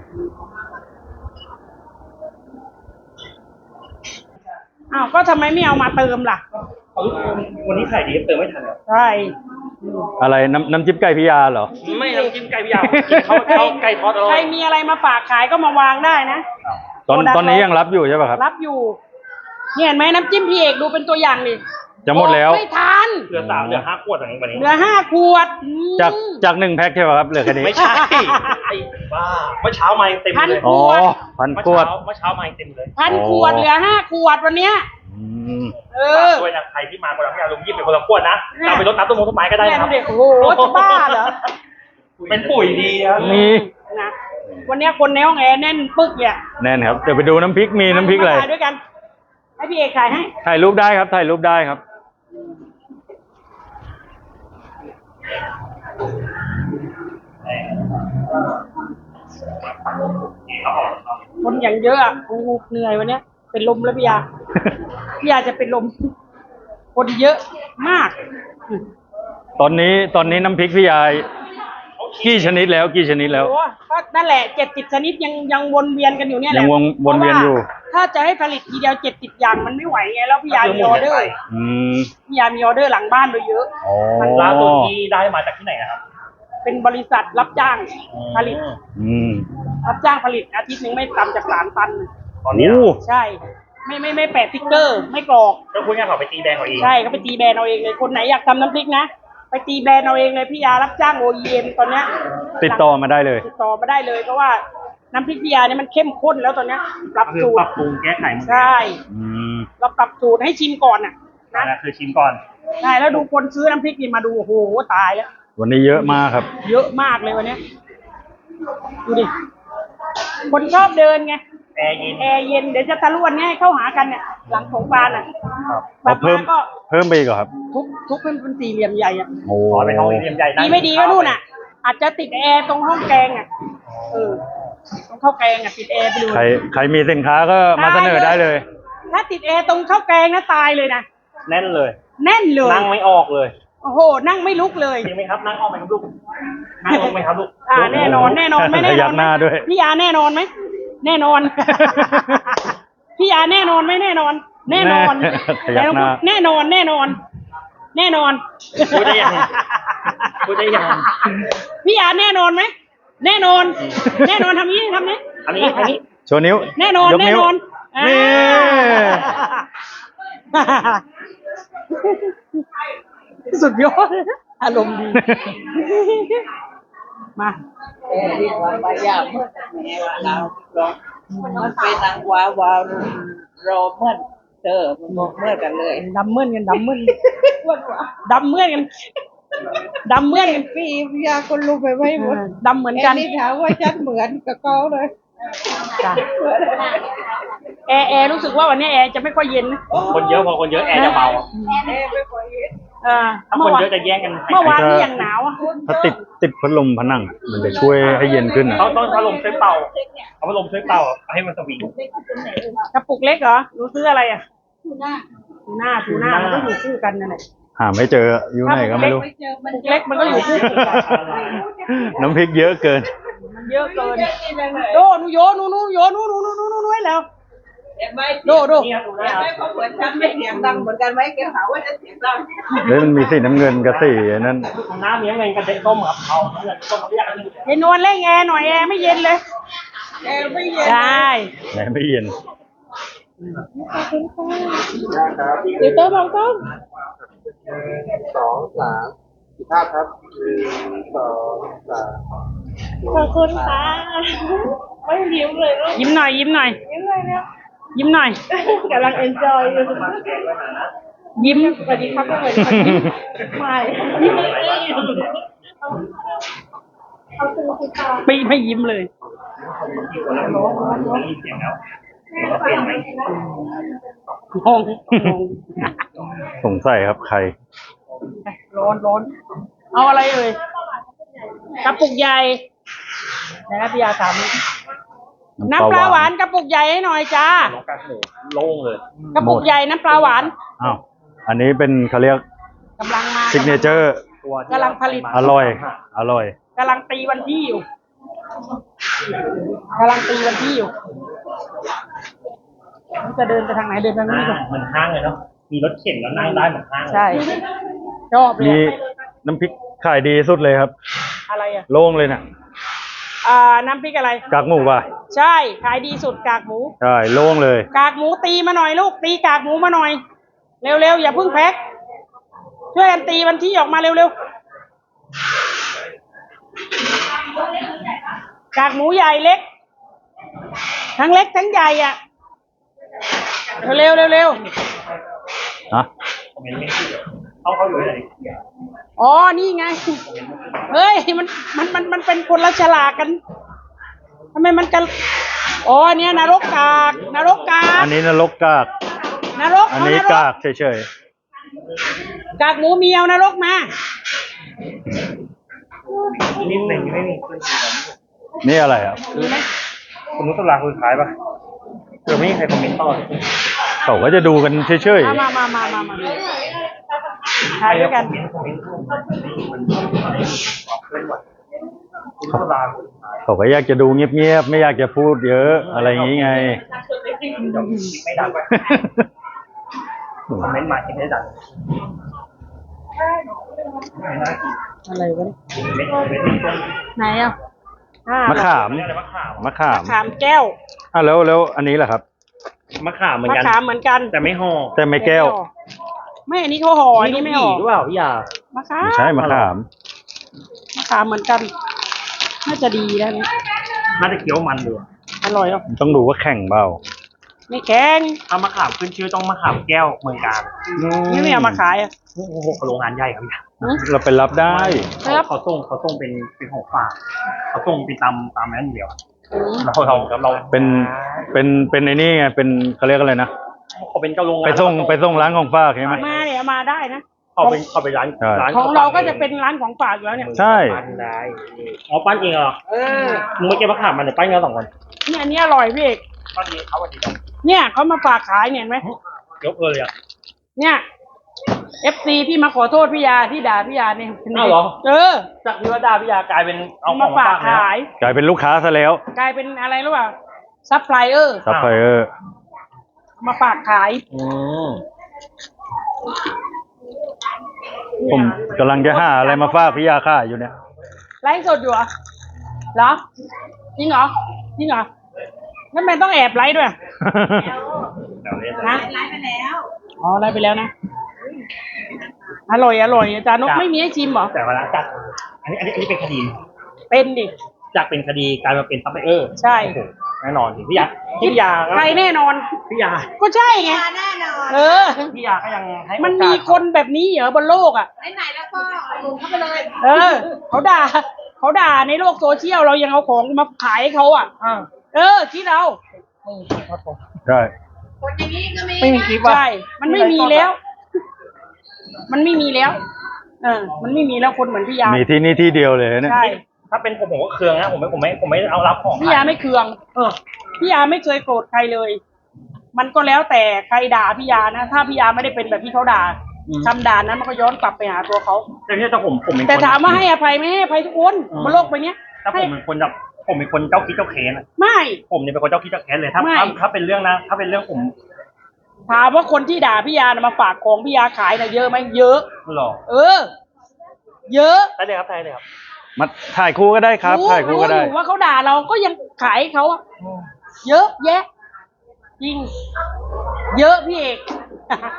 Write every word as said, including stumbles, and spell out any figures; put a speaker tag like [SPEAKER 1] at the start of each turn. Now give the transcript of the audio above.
[SPEAKER 1] อ้าวก็ทำไมไม่เอามาเติมล่ะ
[SPEAKER 2] วันนี้ขายดีเติมไม่ทัน
[SPEAKER 1] ใช่
[SPEAKER 3] อะไรน้ำน้ำจิ้มไก่พิยาเหรอ
[SPEAKER 2] ไม่น้ำจิ้มไก่พิยาเขาเขาไก่ทอดอร่อย
[SPEAKER 1] ใครมีอะไรมาฝากขายก็มาวางได้นะ
[SPEAKER 3] ตอนตอนนี้ยังรับอยู่ใช่ป่ะครับ
[SPEAKER 1] รับอยู่เนี่ยเห็นไหมน้ำจิ้มพี่เอกดูเป็นตัวอย่างดิ
[SPEAKER 3] จะหมดแล้ว
[SPEAKER 1] ไม่ทัน
[SPEAKER 2] เหลือสามเหลือห้าขวดอย่างนี้วันนี้
[SPEAKER 1] เหลือห้าขวด
[SPEAKER 3] จากจากหนึ่งแพ็คใช่ป่ะครับเหลือแค่นี้
[SPEAKER 2] ไม่ใช่ไอ้บ้าเมื่อเช้ามาเต็มเลย
[SPEAKER 3] อ๋อพันขวด
[SPEAKER 2] เมื่อเช้ามาเต็มเลย
[SPEAKER 1] พันขวดเหลือห้าขวดวันเนี้ย
[SPEAKER 2] เออด้วยนะใครที่มาคนละพี่อาลุงยิบเป็นคนละขวดนะเราไปรดน้ำต้นมงต้นไม้ก็ได้ครับ
[SPEAKER 1] โอ้โหจะบ้าเหรอ
[SPEAKER 2] เป็นปุ๋ยดีครับ
[SPEAKER 3] นี่
[SPEAKER 1] นะวันนี้คนในห้องแอร์แน่นปึ๊กเนี่ย
[SPEAKER 3] แน่นครับเดี๋ยวไปดูน้ำพริกมีน้ำพริกอะไร
[SPEAKER 1] ด้วยกันให้พี่เอกถ่ายให้
[SPEAKER 3] ถ่ายรูปได้ครับถ่ายรูปได้ครับ
[SPEAKER 1] คนอย่างเยอะอ่ะโอ้เหนื่อยวันนี้เป็นลมแล้วพี่ยาพี่ยาจะเป็นลมคนเยอะมาก
[SPEAKER 3] ตอนนี้ตอนนี้น้ำพริกพี่ยากี่ชนิดแล้วกี่ชนิดแล้ว
[SPEAKER 1] โอ้ก็นั่นแหละเจ็ดสิบชนิดยังยังวนเวียนกันอยู่เนี่ยแหละ
[SPEAKER 3] ยังวนวนเวียนอยู่
[SPEAKER 1] ถ้าจะให้ผลิตทีเดียวเจ็ดสิบอย่างมันไม่ไหวไงแล้วพี่ยามีออเดอร์พี่ยามีออเดอร์หลังบ้านโดยเยอะ
[SPEAKER 2] มันร้านตัวที่ได้มาจากที่ไหนครับ
[SPEAKER 1] เป็นบริษัทรับจ้างผลิตรับจ้างผลิตอาทิตย์หนึ่งไม่ต่ำจากสามตัน
[SPEAKER 2] ตอนนี้
[SPEAKER 1] ใช่ไม่ไม่ไม่แปะสติ๊กเกอร์ไม่กรอก
[SPEAKER 2] ก็คุณงานเขาไปตีแบรนด์เอาเอง
[SPEAKER 1] ใช่เขาไปตีแบรนด์เอาเองเลยคนไหนอยากทำน้ำพริกนะไปตีแบรนด์เอาเองเลยพี่ยารับจ้าง โอ อี เอ็ม ตอนเนี้ย
[SPEAKER 3] ติดต่อมาได้เลย
[SPEAKER 1] ติดต่อมาได้เลยเพราะว่าน้ำพริกพี่ยาเนี่ยมันเข้มข้นแล้วตอนเนี้ยปรับสูตร
[SPEAKER 2] ปรับปรุงแก้ไข
[SPEAKER 1] ใช่เราปรับสูตรให้ชิมก่อนน่ะ
[SPEAKER 2] นะคือชิมก่อน
[SPEAKER 1] ใช่แล้วดูคนซื้อน้ำพริกนี่มาดูโอ้โหตายแล้ว
[SPEAKER 3] วันนี้เยอะมากครับ
[SPEAKER 1] เยอะมากเลยวันนี้ดูดิคนชอบเดินไง
[SPEAKER 2] แอร์เย็น
[SPEAKER 1] แอร์เย็นเดี๋ยวจะทะลุวันนี้เข้าหากันเนี่ยหลังสงกรานต์อ่ะ
[SPEAKER 3] แบบเพิ่มก็เพิ่มไปอีกครับ
[SPEAKER 1] ทุกทุกเป็นเป็นสี่เหลี่ยมใหญ่อ่ะ
[SPEAKER 3] โอ้
[SPEAKER 2] เป็นห้องสี่เหลี่ยมใหญ่
[SPEAKER 1] ดีไม่ดีก็นู่นอ่ะอาจจะติดแอร์ตรงห้องแกงอ่ะเออตรงข้าวแกงอ่ะติดแอร์ไปดู
[SPEAKER 3] ใครใครมีสินค้าก็มาเสนอได้เลย
[SPEAKER 1] ถ้าติดแอร์ตรงข้าวแกงนะตายเลยนะ
[SPEAKER 2] แน่นเลย
[SPEAKER 1] แน่นเลย
[SPEAKER 2] นั่งไม่ออกเลย
[SPEAKER 1] โอ้โหนั่งไม่ลุกเลย
[SPEAKER 2] จริงไหมครับนั่งออกไหมครับลูกนั่งลงไหมครับลูก
[SPEAKER 1] อ่าแน่นอนแน่นอนไม่แน่นอน
[SPEAKER 3] หน้าด้วย
[SPEAKER 1] พี่ยาแน่นอนไหมแน่นอนพี่ยาแน่นอนไหมแน่นอนแน่นอนแล้วแน่นอนแน่นอนแน่นอน
[SPEAKER 2] พูดได้ยังพูดได้ยัง
[SPEAKER 1] พี่ยาแน่นอนไหมแน่นอนแน่นอนทำนี้ทำนี้
[SPEAKER 2] ทำนี้ทำนี้
[SPEAKER 3] โชว์นิ้ว
[SPEAKER 1] แน่นอนแน่นอน
[SPEAKER 3] นี่
[SPEAKER 1] สุดยอดอารมณ์ดีมา
[SPEAKER 4] เออที่ว่าไปยากเมื่อแม่ว่าเราลองมันเป็นนางว้าวาวรอเมื่อเธอมันบอกเมื่อกันเลย
[SPEAKER 1] ดำเมื่อนกันดำเมื่อนดำเมื่อนกันดำเมื่อนกัน
[SPEAKER 4] พี่ยาคนรู้ไปไว้หมด
[SPEAKER 1] ดำเหมือนกัน
[SPEAKER 4] นี่ถามว่าฉันเหมือนกับเขาเลย
[SPEAKER 1] แอร์แอร์รู้สึกว่าวันนี้แอร์จะไม่ค่อยเย็น
[SPEAKER 2] คนเยอะพอคนเยอะแอร์จะเบา
[SPEAKER 4] แอร์ไม่ค่อยเย็น
[SPEAKER 2] ถ้าคนเยอะจะแย่งกัน
[SPEAKER 1] เมื่อวานนี่ยังหนาวอ่ะ
[SPEAKER 3] ถ้าติดติดพัดลมผนังมันจะช่วยให้เย็นขึ้นนะ
[SPEAKER 2] เขาต้องพัดลมช่วยเป่าเอาพัดลมช่วยเป่าให้มันสวิง
[SPEAKER 1] กระปุกเล็กเหรอรู้ซื้ออะไรอ่ะทูน่าทูน่าทูน่ามันก็อยู่คู่กันนั่นแหละ
[SPEAKER 3] หาไม่เจออยู่ไหนก็ไม่รู้
[SPEAKER 1] ปุกเล็กมันก็อยู่คู่กัน
[SPEAKER 3] น้ำพริกเยอะเกิน
[SPEAKER 1] มันเยอะเกินโดนูโยนูนูโยนูนูนูนูนูนูไว้แล้วโดโด
[SPEAKER 4] ไม่เขาเหมือนฉันไม่เสียงดังเหมือนกันไหมแกหาว่าจะเสียงดัง
[SPEAKER 3] เฮ้ยมันมีสีน้ำเงินกับสีนั่น
[SPEAKER 2] น้ำเนี้ยเงินกระเด็นต้มครับเอาเงินต้มเขาอยาก
[SPEAKER 1] เย็นนวลเล่นแอร์หน่อยแอร์ไม่เย็นเลย
[SPEAKER 4] แอร์ไม่เย็น
[SPEAKER 1] ใช่
[SPEAKER 3] แอร์ไม่เย็น
[SPEAKER 1] เดี๋ยวเติมลองต้ม
[SPEAKER 5] สองสามสี่ภาพครับหนึ่งสองสาม
[SPEAKER 1] ขอบคุณค่ะไม่ยิ้มเลยยิ้มหน่อยยิ้มหน่อยยิ้มหน่อยเนี่ยยิ้มหน่อยกำลังเอนจอยอยู่ยิ้มสวัสดีครับสวัสดีครับยิ้มไม่ยิ้มไม่ไม่ยิ้มเลยงง
[SPEAKER 3] สงสัยครับใคร
[SPEAKER 1] ร้อนร้อนเอาอะไรเอ่ยกระปุกใหญ่นะครับพี่ยาถามน้ำปลาหวานกระปุกใหญ่ให้หน่อยจ้า
[SPEAKER 2] โล่งเลย
[SPEAKER 1] กระปุกใหญ่น้ำปลาหวาน
[SPEAKER 3] อ้าวอันนี้เป็นเขาเรียก
[SPEAKER 1] กำลังมา
[SPEAKER 3] ซิกเนเจอร์
[SPEAKER 1] กำลังผลิต
[SPEAKER 3] อร่อยอร่อย
[SPEAKER 1] กำลังตีวันที่อยู่กำลังตีวันที่อยู่จะเดินไปทางไหนเดินไปทางนี้ก่อน
[SPEAKER 2] เหมือนห้างเลยเนาะมีรถเข็นแล้วนั่งได้เหมือนห้างเลย
[SPEAKER 1] ใช่ชอบเล
[SPEAKER 3] มี
[SPEAKER 1] ย
[SPEAKER 3] น้ำพริกขายดีสุดเลยครับ
[SPEAKER 1] อะไรอ่ะ
[SPEAKER 3] โล่งเลยนะ
[SPEAKER 1] อ่าน้ำพริกอะไร
[SPEAKER 3] กากหมูป่ะ
[SPEAKER 1] ใช่ขายดีสุดกากหมู
[SPEAKER 3] ใช่โล่งเลย
[SPEAKER 1] กากหมูตีมาหน่อยลูกตีกากหมูมาหน่อย เร็วๆอย่าเพิ่งแพ็คช่วยกันตีวันที่ออกมาเร็วๆกากหมูใหญ่เล็ก ทั้งเล็กทั้งใหญ่อ่ะเร็วๆเร็ว
[SPEAKER 3] ฮะ
[SPEAKER 2] ผมเห็นไม่ชื่อเขาเขาอยู่ไหน
[SPEAKER 1] ๆอ๋อนี่ไงเฮ้ยมันมันมันมันเป็นคนละฉลากกันทำไมมันกันอ๋อเนี่ยนรกกากนรกกาก
[SPEAKER 3] อันนี้นรกกาก
[SPEAKER 1] นรก
[SPEAKER 3] อัน
[SPEAKER 1] เอา
[SPEAKER 3] นี้
[SPEAKER 1] นร
[SPEAKER 3] กาก กเฉย
[SPEAKER 1] กากหมูเมียวนรกมา
[SPEAKER 2] นิดหนึ่งไม่มี
[SPEAKER 3] ๆนี่อะไรครับ
[SPEAKER 1] มีไหม
[SPEAKER 2] คุณนุชตลาคือขายป่ะเดี๋ยวไม่มีใครคอมเมนต์ต่อเลย
[SPEAKER 3] เขาก็จะดูกันเฉย
[SPEAKER 1] มามามามามาถ่ายด้วยกัน
[SPEAKER 2] คอมเมนต์มันเคลื่อนไหวคุณนุชตลาคือขาย
[SPEAKER 3] ๆเขาก็อยากจะดูเงียบๆไม่อยากจะพูดเยอะอะไรอย่างนี้ไง
[SPEAKER 2] ไม่ดังไปคอมเมนต์มาคิดไม่ดัง
[SPEAKER 1] อะไรวะเนี่ย
[SPEAKER 2] ไม่ไม่ไม่ต้น
[SPEAKER 1] ไหนอ่ะอ่าม
[SPEAKER 3] ะขาม
[SPEAKER 2] อะไรมะขาม
[SPEAKER 3] มะขาม
[SPEAKER 1] มะขามแก้ว
[SPEAKER 3] อ่ะแล้วแล้วอันนี้แหละครับ
[SPEAKER 2] มะขามเหมือน
[SPEAKER 1] มะ
[SPEAKER 2] กัน
[SPEAKER 1] ขามเหมือนกัน
[SPEAKER 2] แต่ไม่ห่อ
[SPEAKER 3] แต่ไม่แก้ว
[SPEAKER 1] ไม่อันนี้เขาห่ออันนี้ไม่ห่อ
[SPEAKER 2] หรือเปล่าพี่ยาม
[SPEAKER 1] ะขาม
[SPEAKER 3] ไม่ใช่มะขาม
[SPEAKER 1] มะขามเหมือนกันน่าจะดีแล้วนี่
[SPEAKER 2] น่าจะเคี้ยวมันดู
[SPEAKER 1] อร่อยเนาะ
[SPEAKER 3] ต้องดูว่าแข่งเปล่า
[SPEAKER 1] ไม่แข็ง
[SPEAKER 2] ถ้ามะขามขึ้นชื่อต้องมะขามแก้วเมืองการ
[SPEAKER 1] นี่ไม่เอามาขายอ่ะ
[SPEAKER 2] โอ้โหโรงงานใหญ่ครับพี่
[SPEAKER 3] เราไปรับได้
[SPEAKER 1] ครับ
[SPEAKER 2] เขาส่งเขาส่งเป็นเป็นของฝากเขาส่งเป็นตามตามนั้นเดียว
[SPEAKER 1] อืม
[SPEAKER 2] เราเราเรา
[SPEAKER 3] เป็นเป็นเป็นไอ้นี่ไงเป็นเขาเรียกอะไรนะ
[SPEAKER 2] เขาเป็นเจ้าโรงงาน
[SPEAKER 3] ไปส่งไปส่งร้านของฝากใช่ไหม
[SPEAKER 1] มาเนี่ยเอามาได้นะ
[SPEAKER 2] เขาเป็นเขาเป็นร้าน
[SPEAKER 3] ใช่
[SPEAKER 2] ร้าน
[SPEAKER 1] ของเราก็จะเป็นร้านของฝากอยู่แล้วเนี่ย
[SPEAKER 3] ใช่
[SPEAKER 2] ปั้นได้อ๋อปั้นเองเหรอ
[SPEAKER 1] เออ
[SPEAKER 2] มึงไม่เก็บมะขามมันเดี๋ยวปั้นกันสองคน
[SPEAKER 1] เนี่ยอันนี้อร่อยพี่เอก
[SPEAKER 2] ปั้นเองเขาวันนี้
[SPEAKER 1] เนี่ยเขามาฝากขายเนี่ยเห็นไหม
[SPEAKER 2] ยกเลยอ่ะ
[SPEAKER 1] เนี่ยเอฟซีที่มาขอโทษพี่ยาที่ด่าพี่ยาเนี่ย
[SPEAKER 2] อ้าวเหรอ
[SPEAKER 1] เออ
[SPEAKER 2] จากพิวดาพิยากลายเป็นเอาข
[SPEAKER 1] มา
[SPEAKER 2] อง
[SPEAKER 1] ฝาก
[SPEAKER 2] แล้ว
[SPEAKER 1] ขาย
[SPEAKER 3] กลายเป็นลูกค้าซะแล้ว
[SPEAKER 1] กลายเป็นอะไรรู้ป่ะซัพพลายเออร์
[SPEAKER 3] ซัพพลายเออร์
[SPEAKER 1] มาฝากขาย
[SPEAKER 2] อืม
[SPEAKER 3] ผมกำลังจะหาอะไรมาฝากพี่ยาค่าอยู่เนี่ย
[SPEAKER 1] ไลฟ์สดอยู่เหรอเหรอจริงเหรอจริงเหรอทำไมต้องแอบไลฟ์ด้วย
[SPEAKER 2] เดี๋ยวเล่น
[SPEAKER 1] นะไลฟ์ไปแล้วอ๋อไลฟ์ไปแล้วนะอร่อยอร่อยอาจารย์นกไม่มีให้ชิมเหรอ
[SPEAKER 2] แต่เวลาจากอันนี้อันนี้อันนี้เป็นคดี
[SPEAKER 1] เป็นดิ
[SPEAKER 2] จากเป็นคดีกลายมาเป็นซัพพลายเออร์
[SPEAKER 1] ใช่
[SPEAKER 2] โอ้โหแน่นอนสิพี่ยาพี่ยาก็
[SPEAKER 1] ใครแน่นอน
[SPEAKER 2] พี่ยา
[SPEAKER 1] ก็ใช่ไงเออ
[SPEAKER 2] พี่ยาก็ยังให้
[SPEAKER 1] มัน
[SPEAKER 2] โอกาส
[SPEAKER 1] มีคนแบบนี้เหรอบนโลกอ่ะ
[SPEAKER 6] ไหนๆแล้วก็ลงเข้าไปเลย
[SPEAKER 1] เออเขาด่าเขาด่าในโลกโซเชียลเรายังเอาของมาขายให้เขาอ่ะ
[SPEAKER 2] อ่า
[SPEAKER 1] เออคิดเอา
[SPEAKER 3] ใช่
[SPEAKER 6] คนอย่างนี้ก็มี
[SPEAKER 2] ไม่มีคลิปว่ะ
[SPEAKER 1] ใช่มันไม่มีแล้ว มันไม่มีแล้ว เออ มันไม่มีแล้วคนเหมือนพี่ยา
[SPEAKER 3] มีที่นี่ที่เดียวเลยเนี่ย
[SPEAKER 1] ใช่
[SPEAKER 2] ถ้าเป็นผมผมก็เคืองนะผมไม่ผมไม่ผมไม่เอารับของ
[SPEAKER 1] พี่ยาไม่เคือง
[SPEAKER 2] เออ
[SPEAKER 1] พี่ยาไม่เคยโกรธใครเลย มันก็แล้วแต่ใครด่าพี่ยานะ ถ้าพี่ยาไม่ได้เป็นแบบที่เขาด่าคำด่านั้นมันก็ย้อนกลับไปหาตัวเขา
[SPEAKER 2] แต่ที่ถ้าผมผมเป็นคน
[SPEAKER 1] แต่ถามว่าให้อภัยไหมให้อภัยทุกคนบนโลกใบเนี้ย
[SPEAKER 2] ถ้าผมเป็นคนแบบผมเป็นคนเจ้าคิดเจ้าแค้นอะ
[SPEAKER 1] ไม่
[SPEAKER 2] ผมเนี่ยเป็นคนเจ้าคิดเจ้าแค้นเลยถ้า
[SPEAKER 1] ไม่
[SPEAKER 2] ถ้าถ้าเป็นเรื่องนะ ถ้าเป็นเรื่องผม
[SPEAKER 1] ถามว่าคนที่ด่าพี่ยานะมาฝากของพี่ยาขายนะเยอะไหมเยอะ
[SPEAKER 2] หรอ
[SPEAKER 1] เออ เยอะ
[SPEAKER 2] ได้เลยครับได้เลยครับ
[SPEAKER 3] มาถ่ายคู่ก็ได้ครับ ถ่ายคู่ก็ได้
[SPEAKER 1] รู้อยู่ว่าเขาด่าเราก็ยังขายให้เขาอะเยอะแยะ จริง เยอะพี่เอก